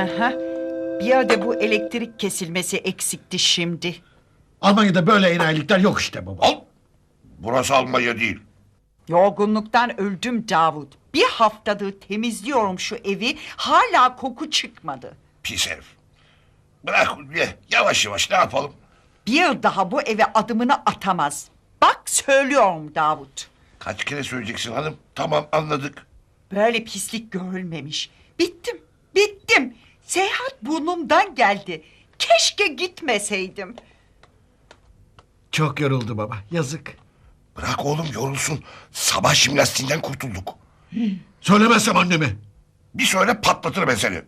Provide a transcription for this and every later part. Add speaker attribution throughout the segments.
Speaker 1: Aha. Bir yerde bu elektrik kesilmesi eksikti şimdi.
Speaker 2: Almanya'da böyle enayilikler yok işte baba.
Speaker 3: Al. Burası Almanya değil.
Speaker 1: Yorgunluktan öldüm Davut. Bir haftadır temizliyorum şu evi. Hala koku çıkmadı.
Speaker 3: Pis herif. Bırak Ulviye. Yavaş yavaş ne yapalım?
Speaker 1: Bir daha bu eve adımını atamaz. Bak söylüyorum Davut.
Speaker 3: Kaç kere söyleyeceksin hanım? Tamam anladık.
Speaker 1: Böyle pislik görülmemiş. Bittim, bittim. Seyahat burnumdan geldi. Keşke gitmeseydim.
Speaker 2: Çok yoruldu baba, yazık.
Speaker 3: Bırak oğlum yorulsun. Sabah jimnastiğinden kurtulduk.
Speaker 2: Söylemezsem anneme.
Speaker 3: Bir söyle patlatır ben seni.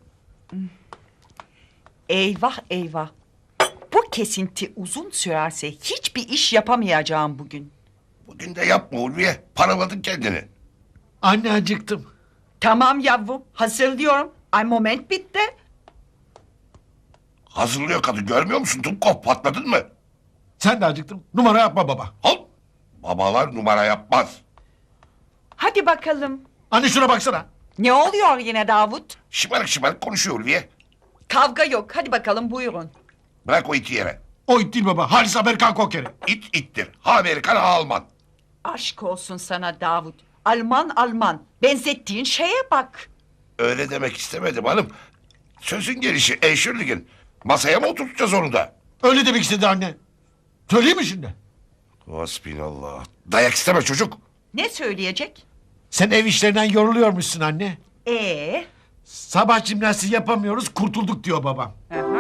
Speaker 1: Eyvah eyvah. Bu kesinti uzun sürerse hiçbir iş yapamayacağım bugün.
Speaker 3: Bugün de yapma Ulviye. Paraladın kendini.
Speaker 2: Anne acıktım.
Speaker 1: Tamam yavrum, hazırlıyorum. Ay moment bitti.
Speaker 3: Hazırlıyor kadın görmüyor musun? Dumkov patladın mı?
Speaker 2: Sen de acıktın. Numara yapma baba.
Speaker 3: Al. Babalar numara yapmaz.
Speaker 1: Hadi bakalım.
Speaker 2: Anne şuna baksana.
Speaker 1: Ne oluyor yine Davut?
Speaker 3: Şımarık şımarık konuşuyor Ulviye.
Speaker 1: Kavga yok. Hadi bakalım buyurun.
Speaker 3: Bırak o iti yere.
Speaker 2: O it değil baba. Halis Amerikan kokeri.
Speaker 3: İt ittir. Ha Amerikan ha Alman.
Speaker 1: Aşk olsun sana Davut. Alman Alman. Benzettiğin şeye bak.
Speaker 3: Öyle demek istemedim hanım. Sözün gelişi Eşürlig'in. Masaya mı oturtacağız onu da?
Speaker 2: Öyle demek istedi anne. Söyleyeyim mi şimdi?
Speaker 3: Hasbinallah. Dayak isteme çocuk.
Speaker 1: Ne söyleyecek?
Speaker 2: Sen ev işlerinden yoruluyormuşsun anne.
Speaker 1: Sabah
Speaker 2: Jimnastiği yapamıyoruz, kurtulduk diyor babam.
Speaker 1: Aha.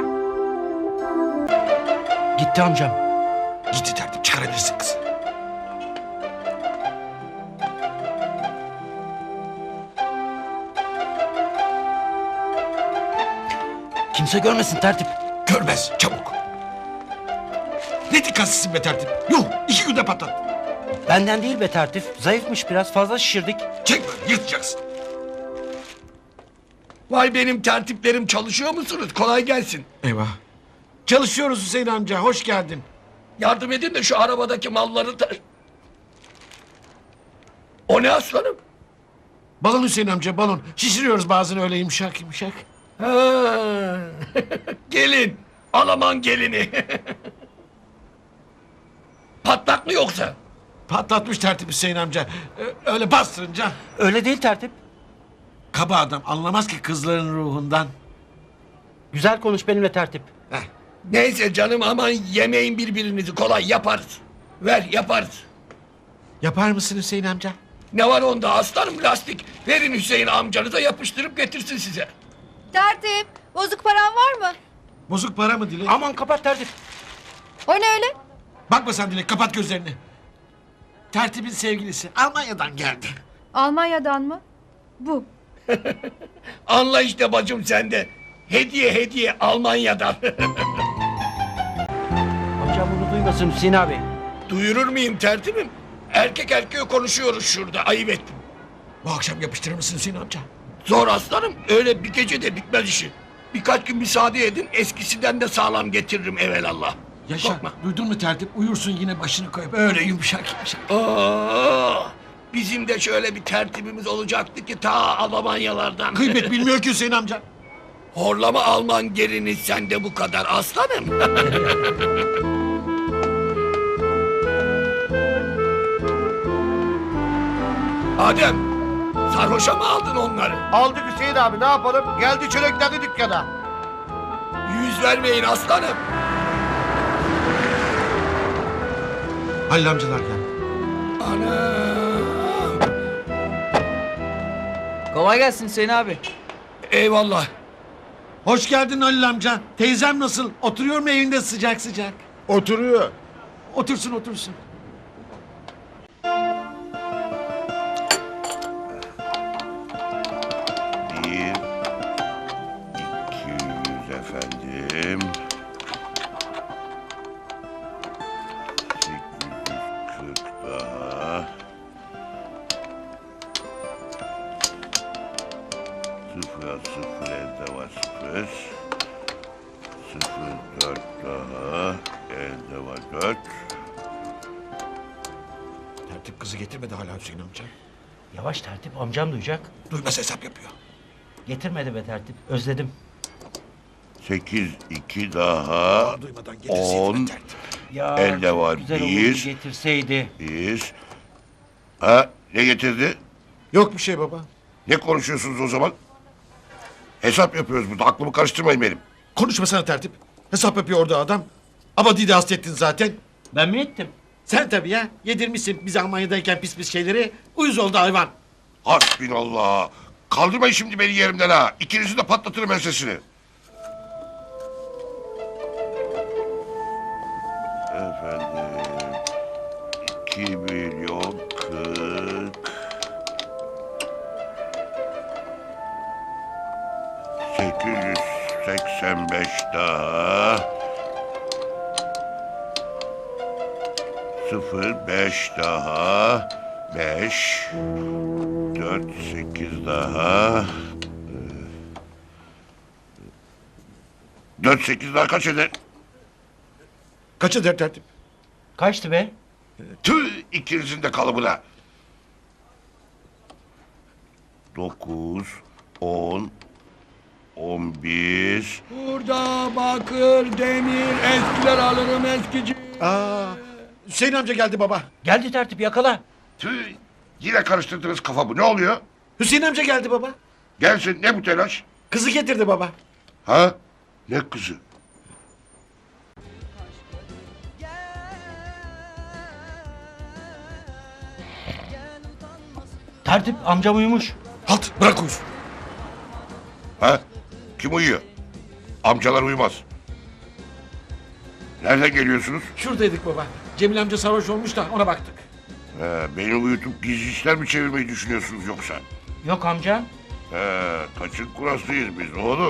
Speaker 2: Gitti amcam. Gitti tertip, çıkarabilirsin kızı.
Speaker 4: Kimse görmesin tertip.
Speaker 2: Görmez, çabuk. Ne dikkatsizsin be tertip. Yuh, 2 günde patlat.
Speaker 4: Benden değil be tertip. Zayıfmış biraz fazla şişirdik.
Speaker 2: Çek böyle, yırtacaksın.
Speaker 5: Vay benim tertiplerim çalışıyor musunuz? Kolay gelsin.
Speaker 2: Eyvah. Çalışıyoruz Hüseyin amca, hoş geldin.
Speaker 5: Yardım edin de şu arabadaki malları da... O ne aslanım?
Speaker 2: Balon Hüseyin amca, balon. Şişiriyoruz bazen öyle yumuşak yumuşak.
Speaker 5: Ha. Gelin. Alaman gelini. Patlak mı yoksa?
Speaker 2: Patlatmış tertip Hüseyin amca. Öyle bastırınca.
Speaker 4: Öyle değil tertip.
Speaker 2: Kaba adam, anlamaz ki kızların ruhundan.
Speaker 4: Güzel konuş benimle tertip.
Speaker 2: Heh.
Speaker 5: Neyse canım aman yemeyin birbirinizi kolay yaparız. Ver yaparız.
Speaker 2: Yapar mısın Hüseyin amca?
Speaker 5: Ne var onda aslanım lastik. Verin Hüseyin amcanıza yapıştırıp getirsin size.
Speaker 6: Tertip, bozuk paran var mı?
Speaker 2: Bozuk para mı Dilek?
Speaker 4: Aman kapat tertip.
Speaker 6: O ne öyle?
Speaker 2: Bakma sen Dilek, kapat gözlerini. Tertibin sevgilisi Almanya'dan geldi.
Speaker 6: Almanya'dan mı? Bu.
Speaker 5: Anla işte bacım sende. Hediye Almanya'dan.
Speaker 4: Amcam bunu duymasın Hüseyin abi.
Speaker 5: Duyurur muyum tertibim? Erkek erkeğe konuşuyoruz şurada ayıp ettim.
Speaker 2: Bu akşam yapıştırır mısın Hüseyin amca?
Speaker 5: Zor aslanım öyle bir gecede bitmez işi. Birkaç gün müsaade edin eskisinden de sağlam getiririm evelallah.
Speaker 2: Yaşa,
Speaker 5: Korkma.
Speaker 2: duydun mu tertip? Uyursun yine başını koyup öyle yumuşak yumuşak.
Speaker 5: Aa, bizim de şöyle bir tertibimiz olacaktı ki ta Almanyalardan.
Speaker 2: Kıymet bilmiyor ki Hüseyin amca.
Speaker 5: Horlama Alman gelini sende bu kadar aslanım. Adem, sarhoşa mı aldın onları?
Speaker 7: Aldık Hüseyin abi ne yapalım? Geldi çörekledi dükkana.
Speaker 5: Yüz vermeyin aslanım.
Speaker 2: Halil amcalar geldi.
Speaker 5: Anam.
Speaker 4: Kolay gelsin Hüseyin abi.
Speaker 5: Eyvallah.
Speaker 2: Hoş geldin Halil amca. Teyzem nasıl? Oturuyor mu evinde sıcak sıcak?
Speaker 7: Oturuyor.
Speaker 2: Otursun otursun.
Speaker 3: Bir, 200 efendim. 840 daha. Sıfıra sıfır elde var sıfır. 04 daha. Elde var 4.
Speaker 2: Tertip kızı getirmedi hala Hüseyin amca.
Speaker 4: Yavaş tertip amcam duyacak.
Speaker 2: Duymaz hesap yapıyor.
Speaker 4: Getirmedi be tertip özledim.
Speaker 3: 8, 2 daha.
Speaker 2: Duymadan getirseydin
Speaker 3: 10.
Speaker 2: be tertip.
Speaker 4: Ya
Speaker 3: Elde var
Speaker 4: güzel
Speaker 3: bir.
Speaker 4: olurdu getirseydi.
Speaker 3: Bir. Ha, ne getirdi?
Speaker 7: Yok bir şey baba.
Speaker 3: Ne konuşuyorsunuz o zaman? Hesap yapıyoruz burada. Aklımı karıştırmayın benim.
Speaker 2: Konuşmasana tertip. Hesap yapıyor orada adam. Abadi'yi de hasta ettin zaten.
Speaker 4: Ben mi ettim?
Speaker 7: Sen tabii ya. Yedirmişsin bize Almanya'dayken pis pis şeyleri. Uyuz oldu hayvan.
Speaker 3: Hasbinallah. Kaldırmayın şimdi beni yerimden ha. İkinizi de patlatırım ensesini. Efendim. 2 milyon 40. 885 daha. 05 daha. 5. 4, 8 daha. 4, 8 daha kaç eder?
Speaker 2: Kaç eder tertip?
Speaker 4: Kaçtı be?
Speaker 3: Tüh, ikinizin de kalıbına. 9, 10, 11.
Speaker 5: Burada bakır, demir, eskiler alırım eskici.
Speaker 2: Aa, Hüseyin amca geldi baba.
Speaker 4: Geldi tertip yakala.
Speaker 3: Tüh, yine karıştırdınız kafamı. Ne oluyor?
Speaker 2: Hüseyin amca geldi baba.
Speaker 3: Gelsin, ne bu telaş?
Speaker 2: Kızı getirdi baba.
Speaker 3: Ha? Ne kızı?
Speaker 4: Tertip amcam uyumuş.
Speaker 2: Halt, bırak uyusun.
Speaker 3: Ha? Kim uyuyor? Amcalar uyumaz. Nereden geliyorsunuz?
Speaker 2: Şuradaydık baba. Cemil amca sarhoş olmuş da ona baktık.
Speaker 3: Beni uyutup gizli işler mi çevirmeyi düşünüyorsunuz yoksa?
Speaker 4: Yok amca.
Speaker 3: Kaçın kuraslıyız biz oğlum.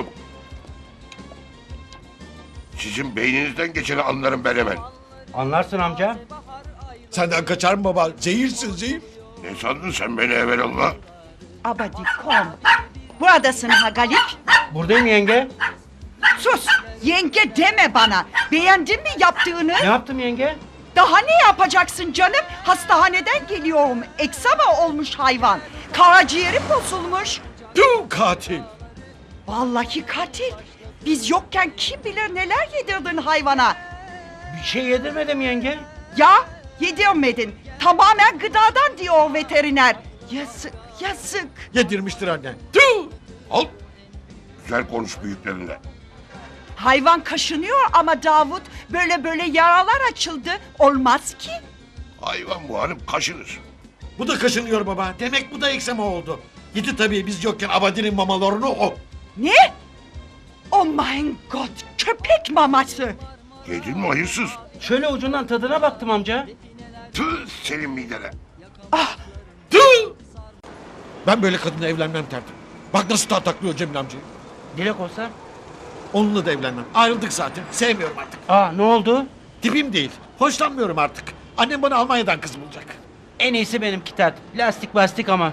Speaker 3: Sizin beyninizden geçeni anlarım ben hemen.
Speaker 4: Anlarsın amca.
Speaker 2: Senden kaçar mı baba? Zehirsin zehir.
Speaker 3: Ne sandın sen beni evelallah?
Speaker 1: Abadi kom. Buradasın ha Galip.
Speaker 4: Buradayım yenge.
Speaker 1: Sus. Yenge deme bana. Beğendin mi yaptığını?
Speaker 4: Ne yaptım yenge?
Speaker 1: Daha ne yapacaksın canım? Hastaneden geliyorum. Eksama olmuş hayvan. Karaciğeri bozulmuş.
Speaker 2: Tüm katil.
Speaker 1: Vallahi katil. Biz yokken kim bilir neler yedirdin hayvana.
Speaker 4: Bir şey yedirmedim yenge.
Speaker 1: Ya yedirmedin. Tamamen gıdadan diyor veteriner. Yazık, yazık.
Speaker 2: Yedirmiştir annen. Tüh!
Speaker 3: Al. Güzel konuş büyüklerinle.
Speaker 1: Hayvan kaşınıyor ama Davut böyle böyle yaralar açıldı. Olmaz ki.
Speaker 3: Hayvan bu hanım kaşınır.
Speaker 2: Bu da kaşınıyor baba. Demek bu da eksema oldu. Yedi tabii biz yokken Abadi'nin mamalarını o.
Speaker 1: Ne? Oh my god, köpek maması.
Speaker 3: Yedin mi hayırsız?
Speaker 4: Şöyle ucundan tadına baktım amca.
Speaker 3: Tüh senin midene.
Speaker 2: Tüh! Ben böyle kadınla evlenmem tertip. Bak nasıl tartaklıyor Cemil amcayı.
Speaker 4: Dilek olsa.
Speaker 2: Onunla da evlenmem. Ayrıldık zaten. Sevmiyorum artık.
Speaker 4: Aa ne oldu?
Speaker 2: Tipim değil. Hoşlanmıyorum artık. Annem bana Almanya'dan kız bulacak.
Speaker 4: En iyisi benimki tertip. Lastik bastik ama.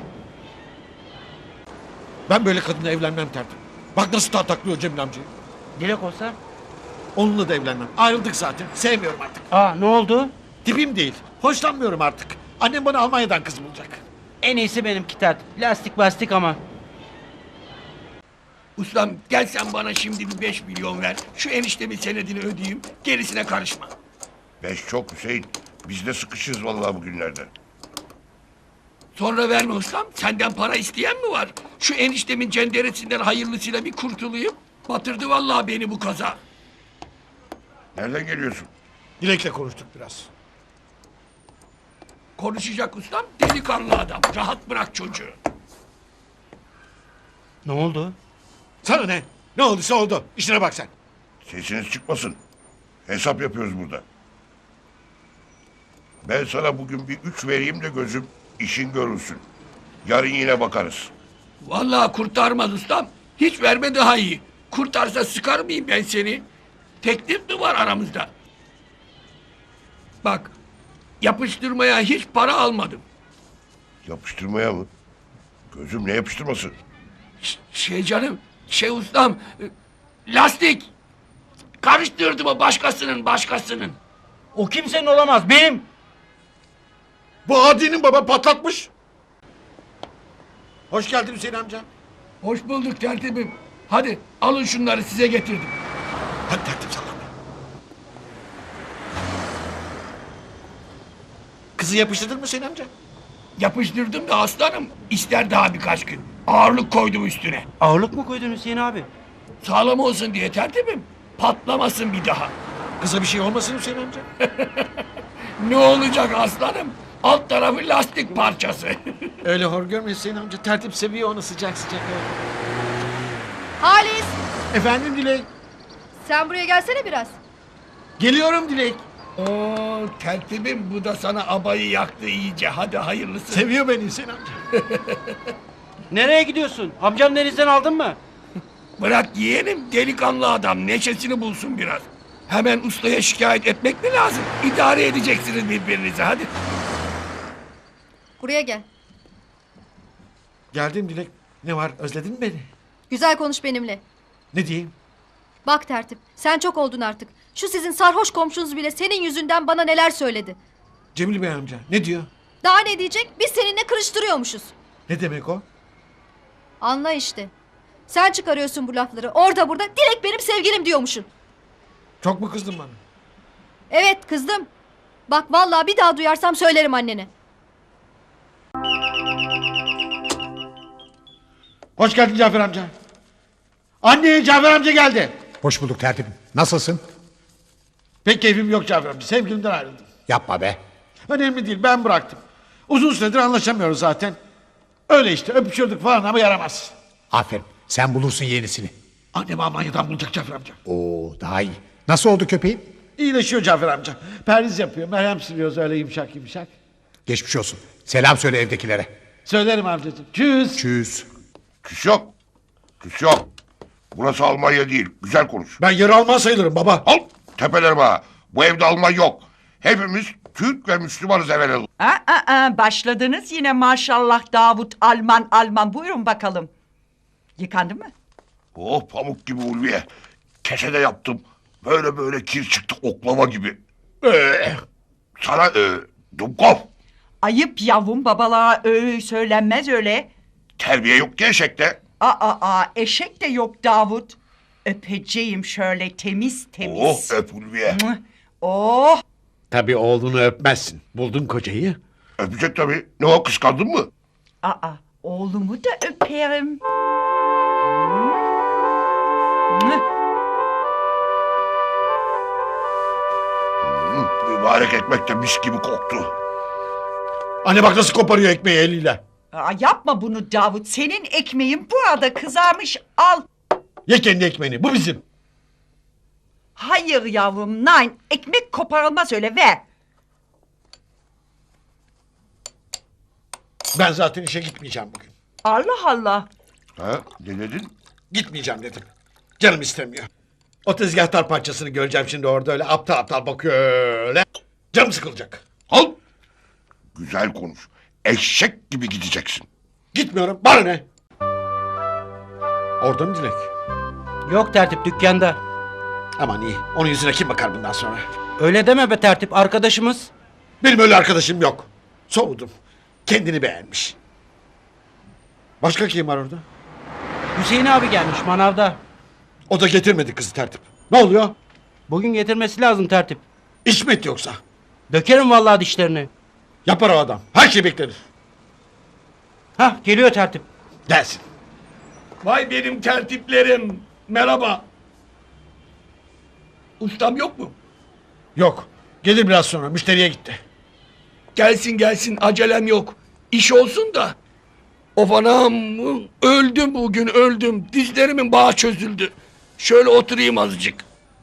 Speaker 2: Ben böyle kadınla evlenmem tertip. Bak nasıl tartaklıyor Cemil amcayı.
Speaker 4: Dilek olsa.
Speaker 2: Onunla da evlenmem. Ayrıldık zaten. Sevmiyorum artık.
Speaker 4: Aa ne oldu?
Speaker 2: Tipim değil. Hoşlanmıyorum artık. Annem bana Almanya'dan kız bulacak.
Speaker 4: En iyisi benimki tertip. Lastik bastik ama.
Speaker 5: Ustam gel sen bana şimdi bir 5 milyon ver. Şu eniştemin senedini ödeyeyim. Gerisine karışma.
Speaker 3: 5 çok Hüseyin. Biz de sıkışırız vallahi bugünlerde.
Speaker 5: Sonra verme ustam. Senden para isteyen mi var? Şu eniştemin cenderesinden hayırlısıyla bir kurtulayım. Batırdı vallahi beni bu kaza.
Speaker 3: Nereden geliyorsun?
Speaker 2: Dilek'le konuştuk biraz.
Speaker 5: Konuşacak ustam delikanlı adam. Rahat bırak çocuğu.
Speaker 4: Ne oldu?
Speaker 2: Sana ne? Ne olduysa oldu. İşine bak sen.
Speaker 3: Sesiniz çıkmasın. Hesap yapıyoruz burada. Ben sana bugün bir 3 vereyim de gözüm işin görülsün. Yarın yine bakarız.
Speaker 5: Vallahi kurtarmaz ustam. Hiç verme daha iyi. Kurtarsa sıkar mıyım ben seni? Teklif mi var aramızda? Bak yapıştırmaya hiç para almadım.
Speaker 3: Yapıştırmaya mı? Gözüm ne yapıştırması?
Speaker 5: Şey canım, şey ustam, lastik. Karıştırdı mı başkasının.
Speaker 4: O kimsenin olamaz. Benim.
Speaker 2: Bu Adi'nin baba patlatmış. Hoş geldin Hüseyin amca.
Speaker 5: Hoş bulduk tertibim. Hadi alın şunları size getirdim.
Speaker 2: Hadi tertip sallan.
Speaker 7: Kızı yapıştırdın mı Hüseyin amca?
Speaker 5: Yapıştırdım da aslanım. İster daha birkaç gün. Ağırlık koydum üstüne.
Speaker 4: Ağırlık mı koydun Hüseyin abi?
Speaker 5: Sağlam olsun diye tertibim. Patlamasın bir daha.
Speaker 7: Kıza bir şey olmasın Hüseyin amca.
Speaker 5: Ne olacak aslanım? Alt tarafı lastik parçası.
Speaker 7: Öyle hor görme Hüseyin amca. Tertip seviyor onu sıcak sıcak.
Speaker 6: Halis,
Speaker 7: Efendim Dilek.
Speaker 6: sen buraya gelsene biraz.
Speaker 7: Geliyorum Dilek.
Speaker 5: Oo, tertibim bu da sana abayı yaktı iyice. Hadi hayırlısı.
Speaker 7: Seviyor beni Hüseyin amca.
Speaker 4: Nereye gidiyorsun? Amcam denizden aldın mı?
Speaker 5: Bırak yeğenim, delikanlı adam neşesini bulsun biraz. Hemen ustaya şikayet etmek mi lazım? İdare edeceksiniz birbirinizi hadi.
Speaker 6: Buraya gel.
Speaker 7: Geldim Dilek. Ne var özledin mi beni?
Speaker 6: Güzel konuş benimle.
Speaker 7: Ne diyeyim?
Speaker 6: Bak tertip, sen çok oldun artık. Şu sizin sarhoş komşunuz bile senin yüzünden bana neler söyledi.
Speaker 7: Cemil Bey amca ne diyor?
Speaker 6: Daha ne diyecek? Biz seninle kırıştırıyormuşuz.
Speaker 7: Ne demek o?
Speaker 6: Anla işte. Sen çıkarıyorsun bu lafları. Orada burada Dilek benim sevgilim diyormuşsun.
Speaker 7: Çok mu kızdın bana?
Speaker 6: Evet kızdım. Bak vallahi bir daha duyarsam söylerim annene.
Speaker 7: Hoş geldin Cafer amca. Anne Cafer amca geldi.
Speaker 8: Hoş bulduk tertibim. Nasılsın?
Speaker 7: Pek keyfim yok Cafer amca. Sevgilimden ayrıldım.
Speaker 8: Yapma be.
Speaker 7: Önemli değil ben bıraktım. Uzun süredir anlaşamıyoruz zaten. Öyle işte öpüşüyorduk falan ama yaramaz.
Speaker 8: Aferin. Sen bulursun yenisini.
Speaker 7: Annem Almanya'dan bulacak Cafer amca.
Speaker 8: Oo, daha iyi. Nasıl oldu köpeğin?
Speaker 7: İyileşiyor Cafer amca. Perhiz yapıyor. Merhem sürüyoruz öyle yumuşak yumuşak.
Speaker 8: Geçmiş olsun. Selam söyle evdekilere.
Speaker 7: Söylerim amcacığım. Çüz.
Speaker 8: Çüz.
Speaker 3: Küs yok. Küs yok. Burası Almanya değil. Güzel konuş.
Speaker 7: Ben yarı Alman sayılırım baba.
Speaker 3: Al tepelerime ha. Bu evde Alman yok. Hepimiz Türk ve Müslümanız evvelallah.
Speaker 1: Başladınız yine maşallah Davut Alman. Buyurun bakalım. Yıkandı mı?
Speaker 3: Oh pamuk gibi Ulviye. Kesede yaptım. Böyle kir çıktı oklava gibi. Sana Dumkov.
Speaker 1: Ayıp yavrum babalığa söylenmez öyle.
Speaker 3: Terbiye yok ki eşekte.
Speaker 1: Eşek de yok Davut. Öpeceğim şöyle temiz.
Speaker 3: Oh öp Ulviye.
Speaker 1: Oh.
Speaker 7: Tabii oğlunu öpmezsin. Buldun kocayı.
Speaker 3: Öpecek tabii. Ne o kıskandın mı?
Speaker 1: Oğlumu da öperim.
Speaker 3: Mübarek ekmek de mis gibi koktu.
Speaker 7: Anne bak nasıl koparıyor ekmeği eliyle.
Speaker 1: Yapma bunu Davut. Senin ekmeğin burada kızarmış. Al.
Speaker 7: Ye kendi ekmeğini. Bu bizim.
Speaker 1: Hayır yavrum. Nein. Ekmek koparılmaz öyle. Ver.
Speaker 7: Ben zaten işe gitmeyeceğim bugün.
Speaker 1: Allah Allah.
Speaker 3: Ha, ne dedin?
Speaker 7: Gitmeyeceğim dedim. Canım istemiyor. O tezgahtar parçasını göreceğim şimdi orada öyle aptal aptal bakıyor öyle. Canım sıkılacak.
Speaker 3: Al. Güzel konuş. Eşek gibi gideceksin.
Speaker 7: Gitmiyorum. Bana ne? Orada mı Dilek?
Speaker 4: Yok tertip dükkanda.
Speaker 7: Aman iyi. Onun yüzüne kim bakar bundan sonra?
Speaker 4: Öyle deme be tertip arkadaşımız.
Speaker 7: Benim öyle arkadaşım yok. Soğudum. Kendini beğenmiş. Başka kim var orada?
Speaker 4: Hüseyin abi gelmiş manavda.
Speaker 7: O da getirmedi kızı tertip. Ne oluyor?
Speaker 4: Bugün getirmesi lazım tertip.
Speaker 7: İş mi etti yoksa?
Speaker 4: Dökerim vallahi dişlerini.
Speaker 7: Yapar o adam. Her şey beklenir.
Speaker 4: Hah geliyor tertip.
Speaker 7: Gelsin.
Speaker 5: Vay benim tertiplerim. Merhaba. Ustam yok mu?
Speaker 7: Yok. Gelir biraz sonra. Müşteriye gitti.
Speaker 5: Gelsin acelem yok. İş olsun da. Of anam öldüm bugün öldüm. Dizlerimin bağı çözüldü. Şöyle oturayım azıcık.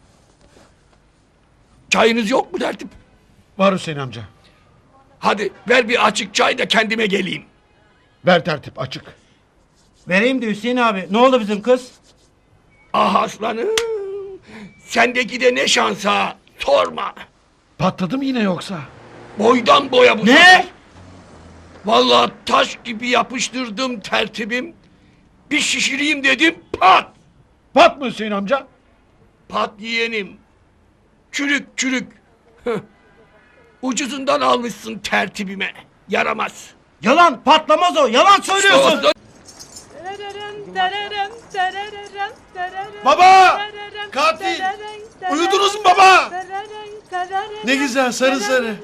Speaker 5: Çayınız yok mu tertip?
Speaker 7: Var Hüseyin amca.
Speaker 5: Hadi ver bir açık çay da kendime geleyim.
Speaker 7: Ver tertip açık.
Speaker 4: Vereyim de Hüseyin abi. Ne oldu bizim kız?
Speaker 5: Ah aslanım. Sendeki de ne şans ha. Sorma.
Speaker 7: Patladı mı yine yoksa?
Speaker 5: Boydan boya bu.
Speaker 4: Ne?
Speaker 5: sefer. Vallahi taş gibi yapıştırdım tertibim. Bir şişireyim dedim pat.
Speaker 7: Pat mı Hüseyin amca?
Speaker 5: Pat yeğenim. Çürük. Hıh. Ucuzundan almışsın tertibime. Yaramaz.
Speaker 4: Yalan patlamaz o. Yalan söylüyorsun.
Speaker 7: Baba! Katil! Uyudunuz mu baba? Ne güzel sarı sarı.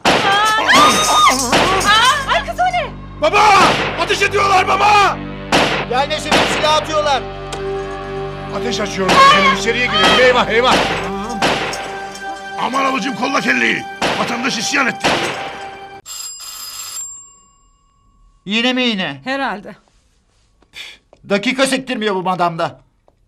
Speaker 6: Ay kız o ne?
Speaker 7: Baba! Ateş ediyorlar baba!
Speaker 4: Yani senin silah atıyorlar.
Speaker 8: Ateş açıyorum. Benim içeriye girelim. Eyvah eyvah.
Speaker 3: Aman ablacığım kolla kelleyi. Vatandaş isyan etti.
Speaker 9: Yine mi yine?
Speaker 10: Herhalde.
Speaker 9: Dakika sektirmiyor bu madamda.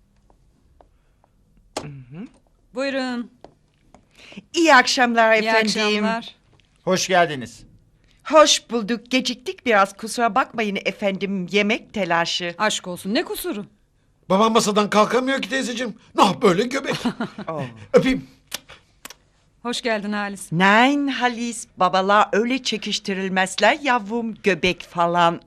Speaker 10: Buyurun.
Speaker 1: İyi akşamlar
Speaker 10: İyi
Speaker 1: efendim.
Speaker 10: akşamlar.
Speaker 9: Hoş geldiniz.
Speaker 1: Hoş bulduk. Geciktik biraz. Kusura bakmayın efendim. Yemek telaşı.
Speaker 10: Aşk olsun ne kusuru?
Speaker 7: Babam masadan kalkamıyor ki teyzeciğim. Nah böyle göbek. Öpeyim.
Speaker 10: Hoş geldin Halis.
Speaker 1: Nein Halis. Babalar öyle çekiştirilmezler yavrum. Göbek falan.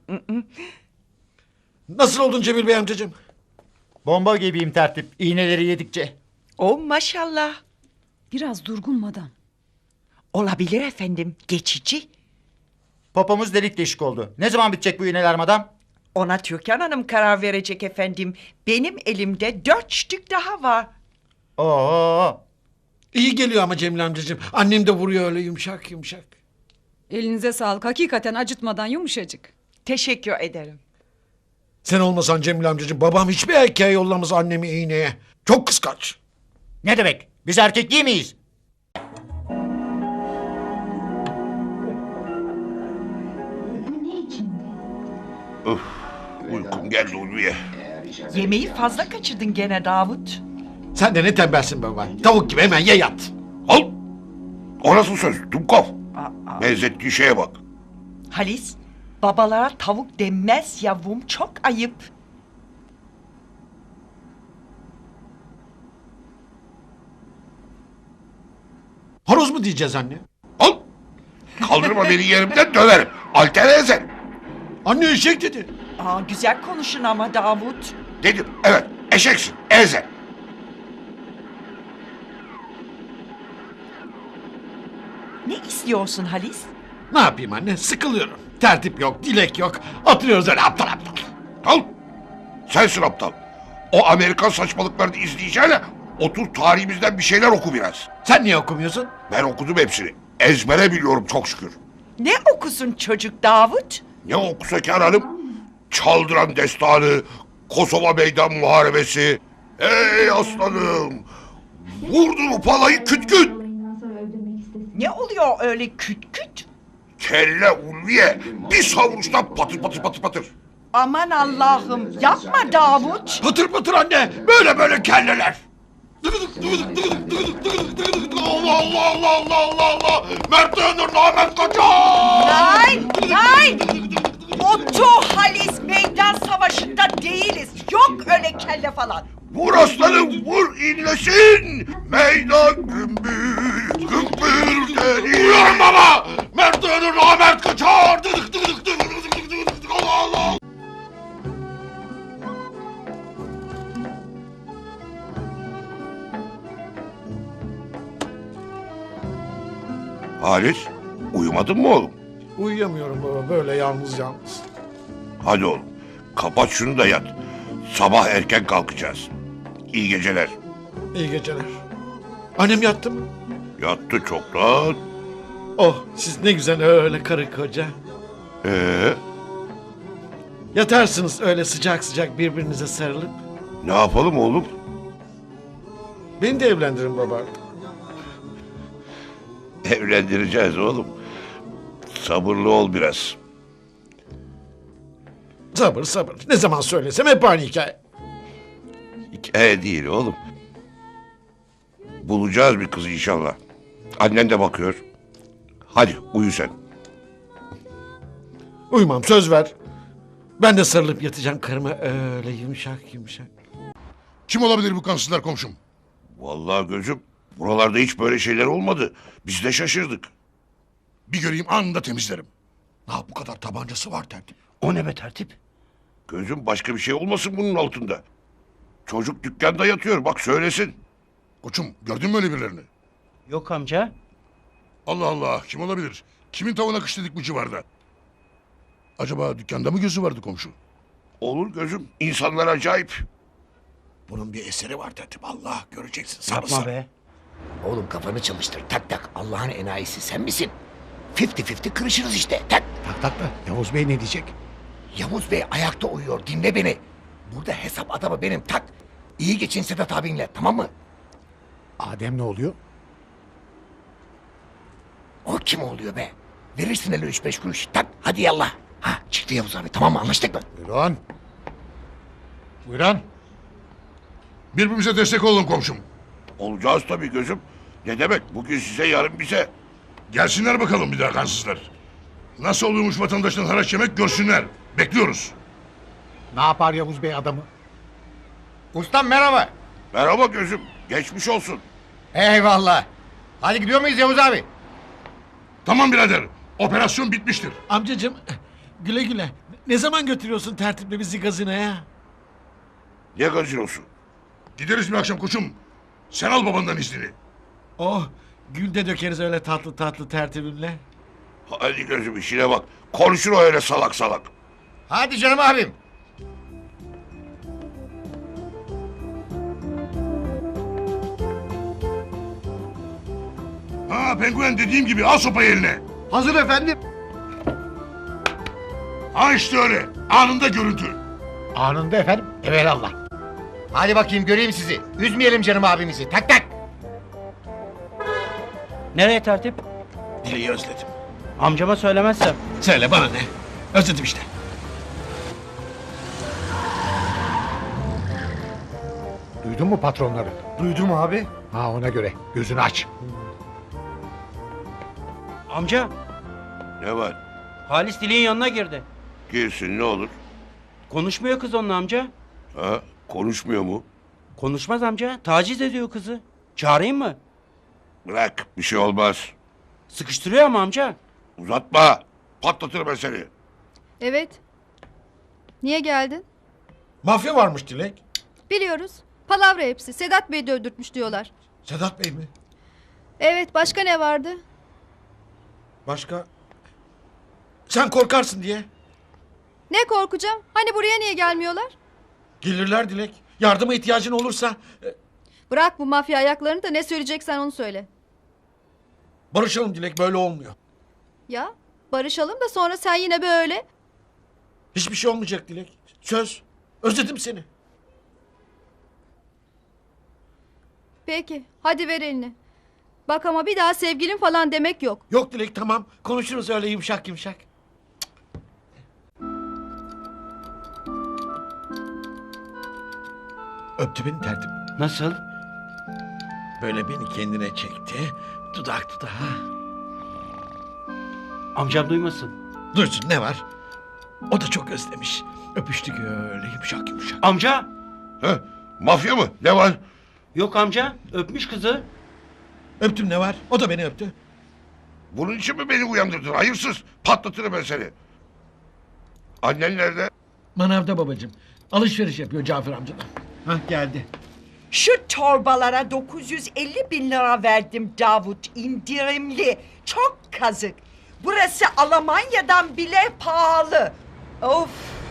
Speaker 7: Nasıl oldun Cemil Bey amcacığım?
Speaker 9: Bomba gibiyim tertip. İğneleri yedikçe.
Speaker 1: O maşallah.
Speaker 10: Biraz durgun madam.
Speaker 1: Olabilir efendim. Geçici.
Speaker 9: Popomuz delik deşik oldu. Ne zaman bitecek bu iğneler madam?
Speaker 1: Ona Türkan Hanım karar verecek efendim. Benim elimde 4 stück daha var.
Speaker 9: Oo.
Speaker 7: İyi geliyor ama Cemil amcacığım. Annem de vuruyor öyle yumuşak yumuşak.
Speaker 10: Elinize sağlık. Hakikaten acıtmadan yumuşacık.
Speaker 1: Teşekkür ederim.
Speaker 7: Sen olmasan Cemil amcacığım babam hiçbir erkeğe yollamaz annemi iğneye. Çok kıskanç.
Speaker 9: Ne demek? Biz erkek değil miyiz?
Speaker 3: Uykum geldi Ulviye.
Speaker 1: Yemeği fazla kaçırdın gene Davut.
Speaker 7: Sen de ne tembelsin baba. Tavuk gibi hemen ye yat.
Speaker 3: Al. O nasıl söz? Dumkov. Benzettiği şeye bak.
Speaker 1: Halis, babalara tavuk denmez yavrum. Çok ayıp.
Speaker 7: Horoz mu diyeceğiz anne?
Speaker 3: Al. Kaldırma beni yerimden döverim. Alter ezer.
Speaker 7: Anne eşek dedi.
Speaker 1: Güzel konuşun ama Davut.
Speaker 3: Dedim evet eşeksin ezer.
Speaker 1: Ne istiyorsun Halis?
Speaker 7: Ne yapayım anne? Sıkılıyorum. Tertip yok, dilek yok. Oturuyoruz öyle aptal aptal.
Speaker 3: Al. Sensin aptal. O Amerikan saçmalıklarını izleyeceğine otur tarihimizden bir şeyler oku biraz.
Speaker 7: Sen niye okumuyorsun?
Speaker 3: Ben okudum hepsini. Ezbere biliyorum çok şükür.
Speaker 1: Ne okusun çocuk Davut?
Speaker 3: Ne okusa Kâr Hanım? Çaldıran Destanı, Kosova Meydan Muharebesi. Ey aslanım! Vurdun o palayı küt küt!
Speaker 1: Ne oluyor öyle küt küt?
Speaker 3: Kelle Ulviye bir savuruştan patır patır patır patır.
Speaker 1: Aman Allah'ım yapma Davut.
Speaker 3: Patır patır anne böyle böyle kelleler. Allah Allah Allah Allah Allah Allah! Mert Öner Ahmet Kaçar!
Speaker 1: Nein, nein! Otu Halis meydan savaşında değiliz. Yok öyle kelle falan.
Speaker 3: Vur aslanım vur inlesin! Meydan gümbür gümbür deniz! Vuruyorum baba! Mert Öner Ahmet Kaçar! Allah Allah! Halis, uyumadın mı oğlum?
Speaker 7: Uyuyamıyorum baba böyle yalnız yalnız.
Speaker 3: Hadi oğlum, kapat şunu da yat. Sabah erken kalkacağız. İyi geceler.
Speaker 7: İyi geceler. Annem yattı mı?
Speaker 3: Yattı çoktan.
Speaker 7: Oh siz ne güzel öyle karı koca.
Speaker 3: Ee,
Speaker 7: Yatarsınız öyle sıcak sıcak birbirinize sarılıp.
Speaker 3: ne yapalım oğlum?
Speaker 7: Beni de evlendirin baba.
Speaker 3: Evlendireceğiz oğlum. Sabırlı ol biraz.
Speaker 7: Sabır sabır. Ne zaman söylesem hep aynı hikaye.
Speaker 3: Hikaye değil oğlum. Bulacağız bir kız inşallah. Annen de bakıyor. Hadi uyu sen.
Speaker 7: Uyumam söz ver. Ben de sarılıp yatacağım karıma öyle yumuşak yumuşak.
Speaker 2: Kim olabilir bu kansızlar komşum?
Speaker 3: Vallahi gözüm buralarda hiç böyle şeyler olmadı. Biz de şaşırdık.
Speaker 2: Bir göreyim anında temizlerim. Ha bu kadar tabancası var tertip.
Speaker 9: O ne be tertip?
Speaker 3: Gözüm başka bir şey olmasın bunun altında. Çocuk dükkanda yatıyor bak söylesin.
Speaker 2: Koçum gördün mü öyle birilerini?
Speaker 4: Yok amca.
Speaker 2: Allah Allah kim olabilir? Kimin tavuğuna kış dedik bu civarda? Acaba dükkanda mı gözü vardı komşu?
Speaker 3: Olur gözüm. İnsanlar acayip.
Speaker 2: Bunun bir eseri var tertip. Allah göreceksin. Sarı
Speaker 4: Yapma
Speaker 2: sarı.
Speaker 4: be.
Speaker 7: Oğlum kafanı çalıştır. Tak tak. Allah'ın enayisi sen misin? 50-50 kırışırız işte. Tak.
Speaker 2: Tak tak da Yavuz Bey ne diyecek?
Speaker 7: Yavuz Bey ayakta uyuyor. Dinle beni. Burada hesap adamı benim. Tak. İyi geçin Sedat abinle. Tamam mı?
Speaker 2: Adem ne oluyor?
Speaker 7: O kim oluyor be? Verirsin öyle 3-5 kuruş. Tak. Hadi yallah. Ha çıktı Yavuz abi. Tamam mı? Anlaştık mı?
Speaker 8: Buyurun. Buyurun. Birbirimize destek olun komşum.
Speaker 3: Olacağız tabii gözüm. Ne demek? Bugün size, yarın bize.
Speaker 8: Gelsinler bakalım bir daha kansızlar. Nasıl oluyormuş vatandaştan haraç yemek görsünler. Bekliyoruz.
Speaker 2: Ne yapar Yavuz Bey adamı?
Speaker 9: Ustam merhaba.
Speaker 3: Merhaba gözüm. Geçmiş olsun.
Speaker 9: Eyvallah. Hadi gidiyor muyuz Yavuz abi?
Speaker 8: Tamam birader. Operasyon bitmiştir.
Speaker 2: Amcacığım güle güle. Ne zaman götürüyorsun tertiple bizi gazinoya?
Speaker 3: Ne gazinosu?
Speaker 8: Gideriz bir akşam koçum. Sen al babandan iznini.
Speaker 2: Oh gül de dökeriz öyle tatlı tatlı tertibimle.
Speaker 3: Hadi gözüm işine bak. Konuşur o öyle salak salak.
Speaker 9: Hadi canım abim.
Speaker 8: Ha penguen dediğim gibi al sopayı eline.
Speaker 9: Hazır efendim.
Speaker 8: Ha işte öyle. Anında görüntü.
Speaker 2: Anında efendim. Evelallah.
Speaker 9: Hadi bakayım göreyim sizi. Üzmeyelim canım abimizi. Tak tak.
Speaker 4: Nereye tertip?
Speaker 2: Dileği özledim.
Speaker 4: Amcama söylemezsem.
Speaker 2: Söyle bana ne? Özledim işte. Duydun mu patronları?
Speaker 9: Duydum abi.
Speaker 2: Ha ona göre. Gözünü aç.
Speaker 4: Amca,
Speaker 3: Ne var?
Speaker 4: Halis Dilek'in yanına girdi.
Speaker 3: Girsin ne olur?
Speaker 4: Konuşmuyor kız onunla amca.
Speaker 3: Ha? Konuşmuyor mu?
Speaker 4: Konuşmaz amca. Taciz ediyor kızı. Çağırayım mı?
Speaker 3: Bırak, bir şey olmaz.
Speaker 4: Sıkıştırıyor ama amca.
Speaker 3: Uzatma. Patlatırım ben seni.
Speaker 6: Evet. Niye geldin?
Speaker 2: Mafya varmış Dilek.
Speaker 6: Biliyoruz. Palavra hepsi. Sedat Bey de öldürtmüş diyorlar.
Speaker 2: Sedat Bey mi?
Speaker 6: Evet, başka ne vardı?
Speaker 2: Başka? Sen korkarsın diye.
Speaker 6: Ne korkacağım? Hani buraya niye gelmiyorlar?
Speaker 2: Gelirler Dilek. Yardıma ihtiyacın olursa
Speaker 6: Bırak bu mafya ayaklarını da ne söyleyeceksen onu söyle.
Speaker 2: barışalım Dilek, böyle olmuyor.
Speaker 6: Ya barışalım da sonra sen yine böyle.
Speaker 2: Hiçbir şey olmayacak Dilek. Söz. Özledim seni.
Speaker 6: Peki hadi ver elini. Bak ama bir daha sevgilim falan demek yok.
Speaker 2: Yok Dilek, tamam. Konuşuruz öyle yumuşak yumuşak. Öptü beni tertip.
Speaker 4: Nasıl?
Speaker 2: Böyle beni kendine çekti. Dudak dudağa.
Speaker 4: Amcam duymasın.
Speaker 2: Duysun, ne var? O da çok özlemiş. Öpüştük öyle yumuşak yumuşak.
Speaker 4: Amca!
Speaker 3: Ha? Mafya mı? Ne var?
Speaker 4: Yok amca. Öpmüş kızı.
Speaker 2: Öptüm, ne var? O da beni öptü.
Speaker 3: Bunun için mi beni uyandırdın? Hayırsız. Patlatırım ben seni. Annen nerede?
Speaker 2: Manavda babacığım. Alışveriş yapıyor Cafer amcadan. Hah geldi.
Speaker 1: Şu torbalara 950 bin lira verdim Davut. İndirimli. Çok kazık. Burası Almanya'dan bile pahalı. Of.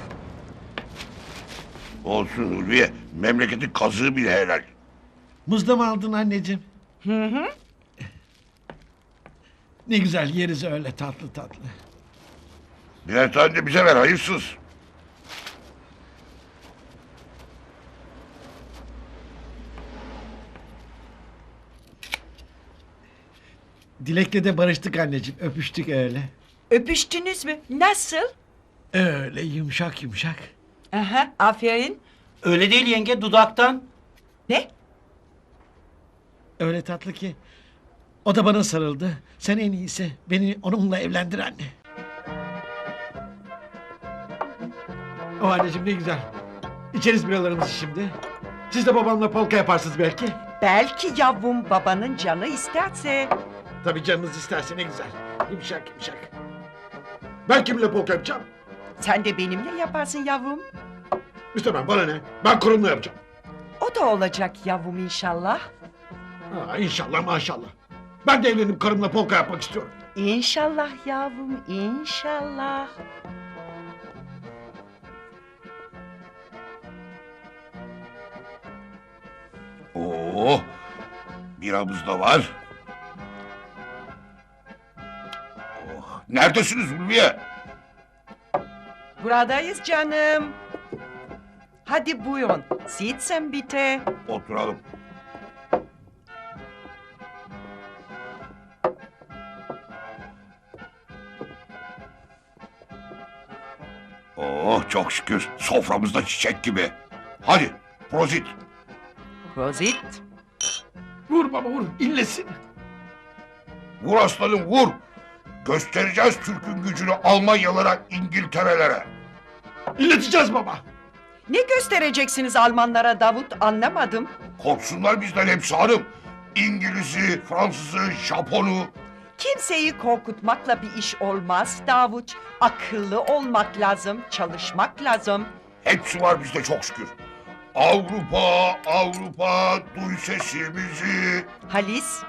Speaker 3: Olsun Ulviye. Memleketin kazığı bile helal.
Speaker 2: Muzda mı aldın anneciğim? Hı. Ne güzel yeriz öyle tatlı tatlı.
Speaker 3: Birer tane de bize ver hayırsız.
Speaker 2: Dilek'le de barıştık anneciğim. Öpüştük öyle.
Speaker 1: Öpüştünüz mü? Nasıl?
Speaker 2: Öyle yumuşak yumuşak.
Speaker 1: Aha, aferin.
Speaker 4: Öyle değil yenge, dudaktan.
Speaker 1: Ne?
Speaker 2: Öyle tatlı ki. O da bana sarıldı. Sen en iyisi beni onunla evlendir anne. O anneciğim ne güzel. İçeriz biralarımızı şimdi. Siz de babamla polka yaparsınız belki.
Speaker 1: Belki yavrum babanın canı isterse.
Speaker 2: Tabii canınız isterse, ne güzel. Yumuşak yumuşak. Ben kiminle polka yapacağım?
Speaker 1: Sen de benimle yaparsın yavrum.
Speaker 2: İstemem, bana ne? Ben kurumla yapacağım.
Speaker 1: O da olacak yavrum inşallah.
Speaker 2: Ha, inşallah maşallah. Ben de evlenip karımla polka yapmak istiyorum.
Speaker 1: İnşallah yavrum inşallah.
Speaker 3: Oh, biramız da var. Oh, neredesiniz Ulviye?
Speaker 1: Buradayız canım. Hadi buyurun. Sitzen bitte.
Speaker 3: Oturalım. Oh, çok şükür soframızda çiçek gibi. Hadi prozit.
Speaker 1: Prosit.
Speaker 2: Vur baba vur. İnlesin.
Speaker 3: Vur aslanım vur. Göstereceğiz Türk'ün gücünü Almanyalara, İngiltere'lere.
Speaker 2: İnleteceğiz baba.
Speaker 1: Ne göstereceksiniz Almanlara Davut, anlamadım.
Speaker 3: Korksunlar bizden hepsi hanım. İngiliz'i, Fransız'ı, Japon'u.
Speaker 1: Kimseyi korkutmakla bir iş olmaz Davut. Akıllı olmak lazım, çalışmak lazım.
Speaker 3: Hepsi var bizde çok şükür. Avrupa, Avrupa, duy sesimizi.
Speaker 1: Halis,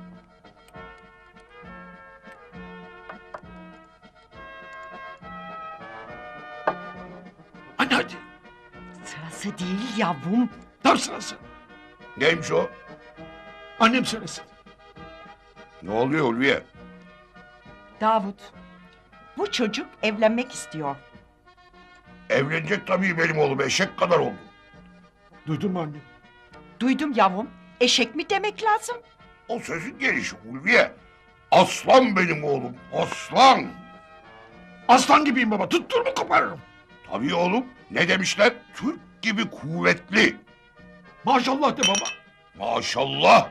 Speaker 2: Anne hadi.
Speaker 1: sırası değil yavrum.
Speaker 2: Tam sırası.
Speaker 3: Neymiş o?
Speaker 2: Annem söylesin.
Speaker 3: Ne oluyor Ulviye?
Speaker 1: Davut, bu çocuk evlenmek istiyor.
Speaker 3: Evlenecek tabii benim oğlum, eşek kadar oldu.
Speaker 2: Duydun mu anne?
Speaker 1: Duydum yavrum, eşek mi demek lazım?
Speaker 3: O sözün gelişi Ulviye. Aslan benim oğlum, aslan.
Speaker 2: Aslan gibiyim baba. Tuttur mu koparırım.
Speaker 3: Tabii oğlum, ne demişler? Türk gibi kuvvetli.
Speaker 2: Maşallah de baba.
Speaker 3: Maşallah.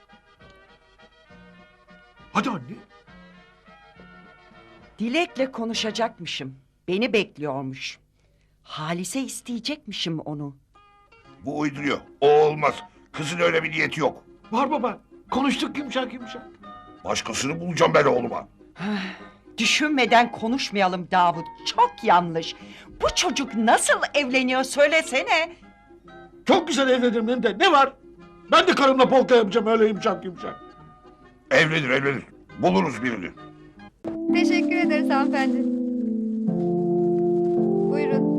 Speaker 2: Hadi anne.
Speaker 1: Dilek'le konuşacakmışım. Beni bekliyormuş. Halis'e isteyecekmişim onu.
Speaker 3: Bu uyduruyor, o olmaz. Kızın öyle bir niyeti yok.
Speaker 2: Var baba. Konuştuk yumuşak yumuşak.
Speaker 3: Başkasını bulacağım ben oğluma.
Speaker 1: Düşünmeden konuşmayalım Davut. Çok yanlış. Bu çocuk nasıl evleniyor söylesene.
Speaker 2: Çok güzel evlenirim hem de. Ne var? Ben de karımla polka yapacağım öyle yumuşak yumuşak.
Speaker 3: Evlenir, evlenir. Buluruz birini.
Speaker 6: Teşekkür ederiz hanımefendi. Buyurun.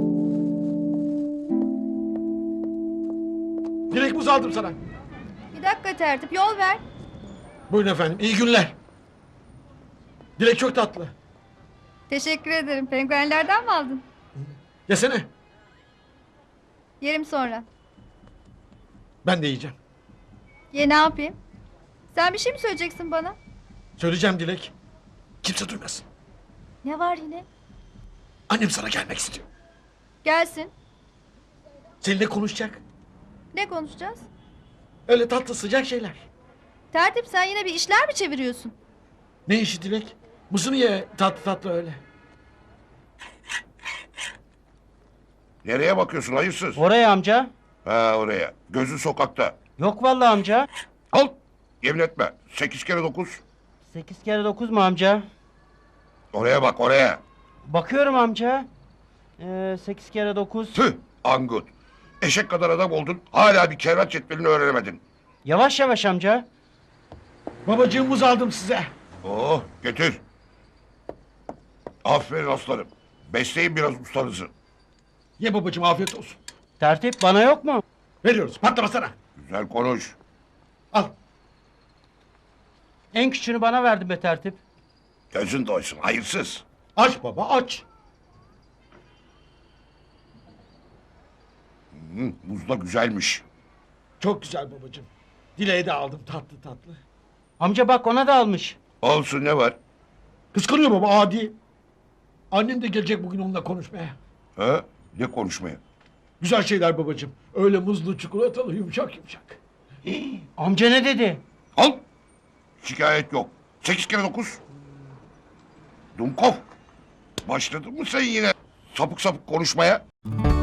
Speaker 2: Dilek buz aldım sana.
Speaker 6: Bir dakika tertip yol ver.
Speaker 2: Buyurun efendim. İyi günler. Dilek çok tatlı.
Speaker 6: Teşekkür ederim. Penguenlerden mi aldın?
Speaker 2: Yesene.
Speaker 6: Yerim sonra.
Speaker 2: Ben de yiyeceğim.
Speaker 6: Ye ne yapayım? Sen bir şey mi söyleyeceksin bana?
Speaker 2: Söyleyeceğim Dilek. Kimse duymasın.
Speaker 6: Ne var yine?
Speaker 2: Annem sana gelmek istiyor.
Speaker 6: Gelsin.
Speaker 2: Seninle konuşacak.
Speaker 6: Ne konuşacağız?
Speaker 2: Öyle tatlı sıcak şeyler.
Speaker 6: Tertip sen yine bir işler mi çeviriyorsun?
Speaker 2: Ne işi Dilek? Mısır ye tatlı tatlı öyle.
Speaker 3: Nereye bakıyorsun hayırsız?
Speaker 4: Oraya amca.
Speaker 3: Ha oraya. Gözün sokakta.
Speaker 4: Yok vallahi amca.
Speaker 3: Al. Yemin etme. 8 kere 9.
Speaker 4: 8 kere 9 mu amca?
Speaker 3: Oraya bak oraya.
Speaker 4: Bakıyorum amca. 8 kere 9.
Speaker 3: Tüh Angut. Eşek kadar adam oldun. Hala bir kervat cetvelini öğrenemedin.
Speaker 4: Yavaş yavaş amca.
Speaker 2: Babacığım muz aldım size.
Speaker 3: Oh getir. Aferin aslanım. Besleyin biraz ustanızı.
Speaker 2: Ye babacığım afiyet olsun.
Speaker 4: Tertip bana yok mu?
Speaker 2: Veriyoruz patlamasana.
Speaker 3: Güzel konuş.
Speaker 2: Al.
Speaker 4: En küçüğünü bana verdin be tertip.
Speaker 3: Gözün doysun hayırsız.
Speaker 2: Aç baba aç.
Speaker 3: Muz da güzelmiş.
Speaker 2: Çok güzel babacığım. Dileği de aldım tatlı tatlı.
Speaker 4: Amca bak ona da almış.
Speaker 3: Olsun ne var?
Speaker 2: Kıskanıyor baba adi. Annem de gelecek bugün onunla konuşmaya.
Speaker 3: Ha? Ne konuşmaya?
Speaker 2: Güzel şeyler babacığım. Öyle muzlu çikolatalı yumuşak yumuşak.
Speaker 4: Amca ne dedi?
Speaker 3: Al. Şikayet yok. 8 kere 9. Dumkov. Başladın mı sen yine sapık sapık konuşmaya?